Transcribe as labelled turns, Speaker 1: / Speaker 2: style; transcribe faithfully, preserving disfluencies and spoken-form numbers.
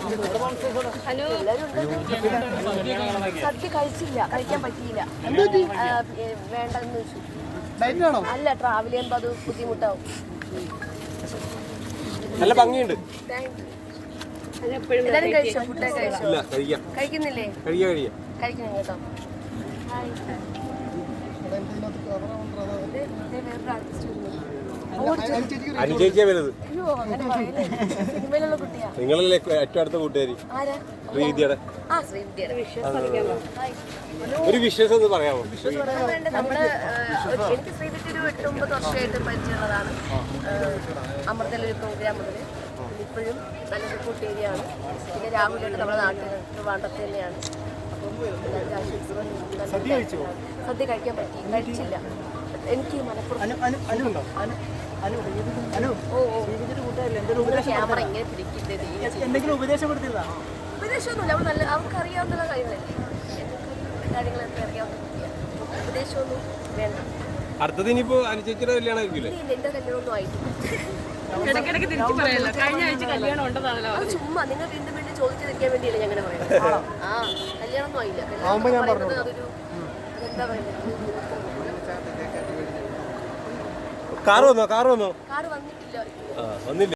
Speaker 1: Hello സദ്യ കഴിച്ചില്ല, കഴിക്കാൻ പറ്റിയില്ല, വേണ്ടെന്ന് വെച്ചു. അല്ല, ട്രാവൽ ചെയ്യുമ്പോൾ അത് ബുദ്ധിമുട്ടാവും.
Speaker 2: നല്ല ഭംഗിയുണ്ട്.
Speaker 1: എല്ലാരും കഴിച്ചോ? ഫുഡ് കഴിച്ചോ? കഴിക്കുന്നില്ലേ? കഴിക്കണം കേട്ടോ.
Speaker 2: അനുചേച്ചിയാ വലുത്.
Speaker 1: അയ്യോ, അങ്ങനെ പറയല്ലേ. സിനിമയിലുള്ള കുട്ടിയാ.
Speaker 2: നിങ്ങളല്ലേ ഏറ്റവും അടുത്ത കൂട്ടുകാരി?
Speaker 1: ആരാ?
Speaker 2: ശ്രീവിദ്യയുടെ.
Speaker 1: ആ, ശ്രീവിദ്യയുടെ.
Speaker 2: ഒരു വിശ്വാസം ഒന്ന് പറയാമോ?
Speaker 1: നമ്മള് എനിക്ക് ശ്രീവിദ്യ ഒരു എട്ട് ഒമ്പത് വർഷമായിട്ട് പരിചയമുള്ളതാണ്. അമൃതയിലൊരു പ്രോഗ്രാം മുതൽ ഇപ്പോഴും നല്ല സപ്പോർട്ട് ഏരിയയാണ്. പിന്നെ രാഹുലായിട്ട് നമ്മുടെ നാട്ടിൽ ട്രിവാൻഡ്രത്ത് തന്നെയാണ്. സദ്യ കഴിക്കാൻ പറ്റി, കഴിച്ചില്ല. എനിക്ക് മലപ്പുറം ക്യാമറ ഇങ്ങനെ പിടിക്കുന്നത് ഉപദേശമൊന്നുമില്ല. അവൾ നല്ല അവർക്ക് അറിയാവുന്ന കാര്യങ്ങളല്ലേ, കാര്യങ്ങളൊക്കെ അറിയാവുന്ന ഉപദേശമൊന്നും വേണ്ട.
Speaker 2: അടുത്തത് ഇനിയിപ്പോ അനുചേച്ചിയുടെ കല്യാണം ആയിരിക്കില്ലേ?
Speaker 1: എന്റെ കല്യാണമൊന്നും ആയിട്ടില്ല. ചുമ്മാ നിങ്ങൾ വീണ്ടും വീണ്ടും ചോദിച്ചിരിക്കാൻ വേണ്ടിയല്ലേ ഞാൻ അങ്ങനെ പറയുന്നത്. ആ, കല്യാണമൊന്നും ആയില്ല. അതൊരു എന്താ പറയുന്നത്,
Speaker 2: കാറ് വന്നോ? കാറ് വന്നോ?
Speaker 1: കാറ് വന്നിട്ടില്ല.
Speaker 2: വന്നില്ല.